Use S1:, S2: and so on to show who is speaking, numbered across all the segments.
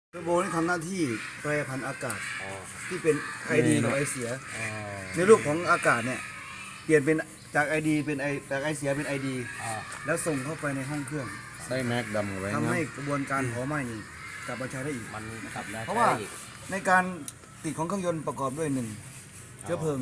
S1: เทอร์โบนี่ทำหน้าที่แปรผันอากาศที่เป็นไอดีกับไอเสียในรูปของอากาศเนี่ยเปลี่ยนเป็นจากไอดีเป็นจากไอเสียเป็นไอดีแล้วส่งเข้าไปในห้องเครื่อง
S2: ใส่แม็กดำไว้
S1: ทำให้กระบวนการเผาไหม้นี่กลับมาใช้ได้อีก
S3: มันกลับมา
S1: เพราะว่าในการติดของเครื่องยนต์ประกอบด้วย1เชื้อเพลิง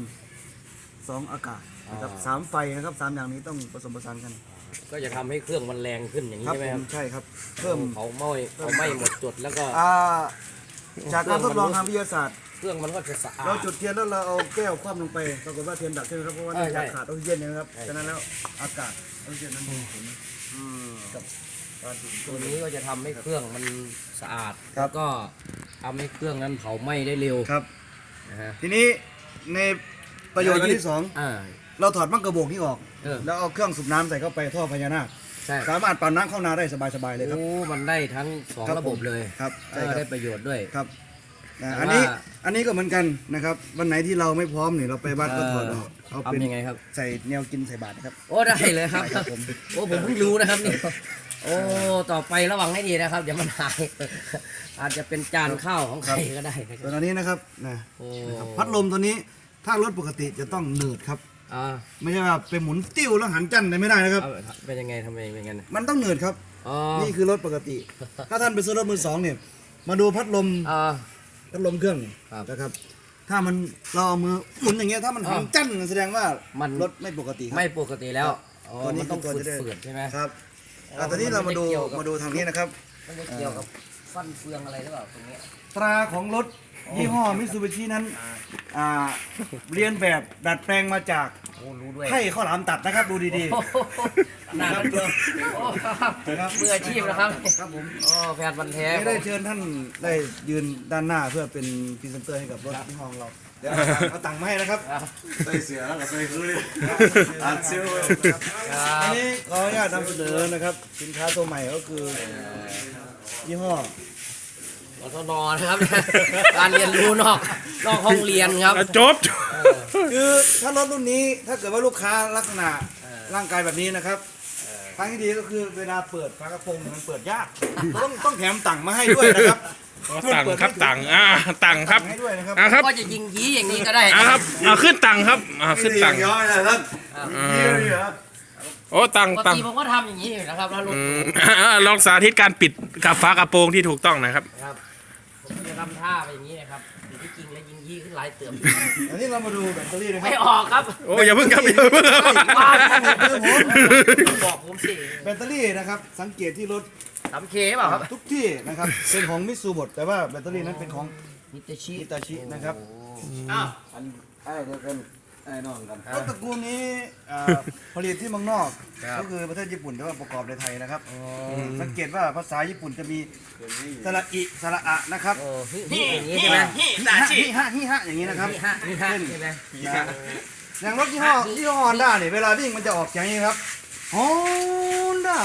S1: 2อากาศนะครับ3ไฟนะครับ3อย่างนี้ต้องผสมผสานกัน
S3: ก็จะทำให้เครื่องมันแรงขึ้นอย่างนี้
S1: ครับ
S3: ใช่ไหม
S1: ผ
S3: ครั
S1: ม
S3: บ
S1: ใช่ครับเพิ่ม
S3: เผาไหม้หมดจุดแล้วก็
S1: จากการทดลองทางวิทยาศาสตร์
S3: เครื่องมันก็จะสะอาด
S1: เราจุดเทียนแล้วเราเอาแก้วคว่ำลงไปปรากฏว่าเทียนดับใช่ไหมครับเพราะว่า
S3: ใช่
S1: เนื่องจากขาดออกซิเจนนะครับ
S3: ใช่
S1: ฉะนั้นแล้วอากาศออกซิเจนนั้นมีผลกับการติด
S3: ตัวนี้ก็จะทำให้เครื่องมันสะอาด
S1: ครับ
S3: แล้วก็ทำให้เครื่องนั้นเผาไหม้ได้เร็ว
S1: ครับ
S3: นะฮะ
S1: ทีนี้ในประโยชน์อันที่สอง
S3: อ่า
S1: เราถอดมังกระโบกนี้ออก
S3: เออ
S1: แล้วเอาเครื่องสูบน้ำใส่เข้าไปท่อพญานาค
S3: ใช่
S1: สามารถปั่นน้ำเข้านาได้สบายๆเลยครับ
S3: โอ้มันได้ทั้งสอง
S1: ครับ
S3: ระบบเลย
S1: ครับใช่ครับ
S3: ได้ประโยชน์ด้วย
S1: ครับ
S3: แต่ว่า
S1: อันนี้ก็เหมือนกันนะครับวันไหนที่เราไม่พร้อมเนี่ยเราไปบ้านก็ถอดออกเอาเป็น
S3: ทำยังไงครับ
S1: ใส่แนวกินใส่บาตรนะครับ
S3: โอ้ได้เลยครับ
S1: ใช่ครับผม
S3: โอ้ผมเพิ่งรู้นะครับนี่โอ้ต่อไประวังให้ดีนะครับเดี๋ยวมันหาย อาจจะเป็นจานข้าวของใครก็ได้นะค
S1: ส่ว
S3: รับ
S1: นอันนี้นะครับนะ
S3: โอ้
S1: นะครับพัดลมตัวนี้ถ้ารถปกติจะต้องเนิร์ดครับ
S3: อ่า
S1: ไม่ใช่ว่าไปหมุนติ้วแล้วหันจันได้ไม่ได้นะครับ
S3: เอาเป็นยังไงทำไมเป็นยังไง
S1: มันต้องเนิร์ดครับ
S3: อ๋อ
S1: นี่คือรถปกติ ถ้าท่านไปซื้อรถมือสองเนี่ยมาดูพัดลม
S3: อ่า
S1: พัดลมเครื่องเนี่ย
S3: ครับ
S1: นะครับ ถ้ามันเราเอามือหมุนอย่างเงี้ยถ้ามันหันจันแสดงว่า
S3: มัน
S1: รถไม่ปกติครับ
S3: ไม่ปกติแล้วอ๋อ
S1: ตัวนี้
S3: มันต้อง
S1: คือตัวจะได้
S3: ฝืดๆใช่ไหม
S1: ครับ
S3: อ๋อ
S1: ตอนนี้เรามาดู
S3: มันไม่ได้เกี่ยวกับ
S1: มาดูทางนี้นะครับ
S3: มันจะเกี่ยวกับฟันเฟืองอะไรหรือเปล่าตรงเนี้ย
S1: ตราของรถยี่ห้อมิตซูบิชินั้นเรียนแบบดัดแปลงมาจาก
S3: โอ้รู้ด้วย
S1: ไข่ข้าวหลามตัดนะครับดูดี
S3: โอ้โหนานเลยโอ้ครับ
S1: ครับ
S3: มืออาชีพนะครับ
S1: ๆครับผม
S3: โอ้แฟนพันธุ์แท้
S1: ไม่ได้เชิญท่านได้ยืนด้านหน้าเพื่อเป็นพรีเซนเตอร์ให้กับรถยี่ห้อของเราเดี๋ยวเอาตังค์มาให้นะครับ
S2: ใส่เสือแล้วก็ใส่คือเลยอัดเซล
S1: อันนี้ขออนุญาตนำเสนอนะครับ สินค้าตัวใหม่ก็คือยี่ห้อ
S3: อทนนะครับ การเรียนรู้นอกห้องเรียนครับ
S2: จบ
S1: คือถ้ารถรุ่นนี้ถ้าเกิดว่าลูกค้าลักษณะร่างกายแบบนี้นะครับทางที่ดีก็คือเวลาเปิดฝากระโปรงมันเปิดยากต้องแถมตังค์มาให้ด้วยนะครับ
S2: ตังครับตังตังครับ
S1: ให้ด้วยนะครับ
S2: ครับ
S3: ก็จะยิงยี้อย่างนี้ก็ได้
S2: ครับขึ้นตังครับขึ้นตัง
S1: ย้อยเลยท่านนี่เหรอ
S2: โอ้ตัง
S3: ปก
S2: ตัง
S3: ติผมก็ทำอย่างนี้อยู่นะครับแล้วรถ
S2: ลองสาธิตการปิดกับฝากระโปรงที่ถูกต้องนะครับ
S3: ครับผมจะทำท่าไปอย่างนี้นะครับแต่ที่จริงแล้วยิงยี้ขึ้นหลายเติม
S1: อันนี้เรามาดูแบตเตอรี่นะครั
S3: ไม่
S1: บ
S3: ออกครับ
S2: โอ้อย่าเพิ่งครับอย่าเพิ่งครับ
S3: บ้าบอกผมสิ
S1: แบตเตอรี่นะครับสังเกตที่รถ
S3: 3K เปล่าครับ
S1: ทุกที่นะครับเป็นของมิตซูบดแต่ว่าแบตเตอรี่นั้นเป็นของ
S3: นิตาชิ
S1: ฮิตาชินะครับ
S3: อ้าว
S1: อันไอ้เดียวกันไอ้น้องกันรถตระกูลนี้ผลิตที่เมืองนอก ก็คือประเทศญี่ปุ่นแต่ว่าประกอบในไทยนะครับสังเกตว่าภาษาญี่ปุ่นจะมีสระอิสระอะนะครับ
S3: โอ้นี่อย่างนี้ใช่ไหม
S1: ฮิฮะอย่างนี้นะครับ
S3: นี่ฮะใช่ไหม
S1: อย่างรถยี่ห้อฮอนด้าเนี่ยเวลาวิ่งมันจะออกอย่างนี้ครับฮอนด้า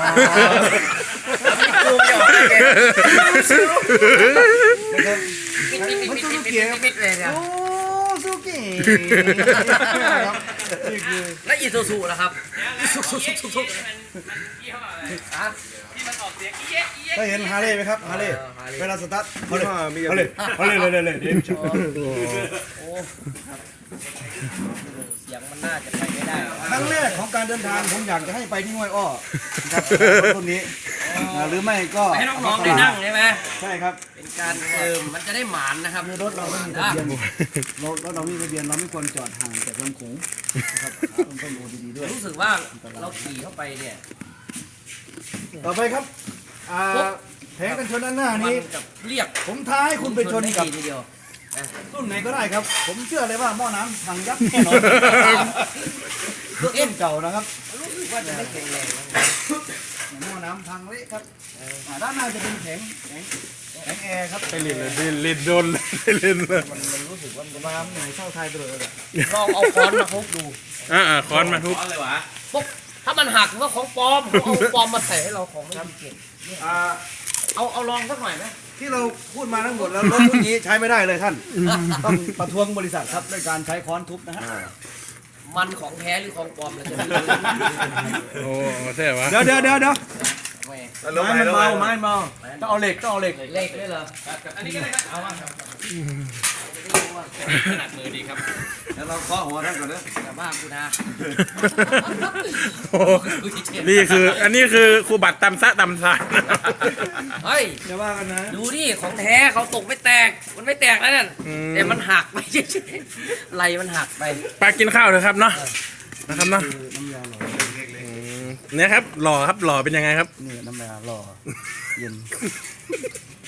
S3: ดูไม่ออกเลย
S1: นะครับมันซูซูกิครับ
S3: ปิดเลยเนี่ย
S1: โอ้ซูกิครับนี่คือ
S3: และอีซูซูนะครับอีซูซูซูอ่ะ
S1: ถ้าเห็นฮาร์เลย์ไหมครับฮาร์เลย์
S3: Harley
S1: เวลาสตาร์ทฮาร์เลย์ฮาร์เลย์ฮาร์เลย์เลย
S3: โอ้เสียงมันน่าจะไปไม่ได้
S1: ครั้งแรกของการเดินทางผมอยากจะให้ไปที่ห้วยอ้อนะครับรถรุ่นนี้หรือไม่ก็
S3: ให้น้องๆได้นั่งใช่ไหม
S1: ใช่ครับ
S3: เป็นการมันจะได้หมานนะครับ
S1: คือรถเราไม่มีทะเบียนรถเราไม่มีทะเบียนเราไม่ควรจอดห่างจากลำโขงนะครับต้องดูดีๆด้วย
S3: รู้สึกว่าเราขี่เข้าไปเนี่ย
S1: ต่อไปครับแผงกันชนด้านหน้า
S3: มัน
S1: นี้
S3: กับเรียก
S1: ผมท้าให้คุณไปชนกับ
S3: ทีเดียว
S1: รุ่นไหนก็ได้ครับ ผมเชื่อเลยว่าหม้อน้ำพังยับแน่นอนรุ่นเก่านะครับ
S3: รู้สึกว่าจะไม่แข็งแรงนะ
S1: หม้อน้ำพังเละครับด้านหน้าจะเป็นแข็งแอร์ครับ
S2: ไปเล่นเลยเล่นโดนเล่นเลย
S3: มันรู้สึกว่ามัน
S1: มาหน่วยเช่าไทยไปเลยอะ
S3: ลองเอาค้อนมาทุบดู
S2: ค้อนมาทุบ
S3: ปุ๊บถ้ามันหักก็ของปลอมเอาปลอมมาใส่ให้เราของไม่ดีเก่ง
S1: อ่า
S3: เอาลองสักหน่อยไหม
S1: ที่เราพูดมาทั้งหมดแล้วรถรุ่นนี้ใช้ไม่ได้เลยท่าน ต้องประท้วงบริษัทครับด้วยการใช้ค้อนทุบนะฮะ
S3: มันของแท้หรือของปลอมเราจะไม่รู้
S2: โอ้ใช่วะ
S1: เดี๋ยว
S3: แหม่
S1: ไม้มันเบาไม้มันเบาต้องเอาเหล็กต้องเอาเหล็ก
S3: เล็กด้วยเหรอ
S4: อันนี้ก็ได้ครับเอามา
S3: ขนาดมือดีครับ
S1: แล้วเราเคาะหัวท่านก่อนเด้อ
S3: แต่บ้ากูนะ
S2: โอ้นี่คือ อันนี้คือครูบัตรตำซะตำซาน
S3: เฮ้ย
S1: อย่าว่ากันนะ
S3: ดูดิของแท้เขาตกไม่แตกมันไม่แตกแล้วนั่นแต่มันหักไปเฉยๆไหลมันหักไป
S2: ไปกินข้าวเลยครับเนาะนะครับเนาะ
S1: น้ำยาหล่อ
S2: เนี่ยครับหล่อครับหล่อเป็นยังไงครับ
S1: นี่น้ำยาหล่อเย็น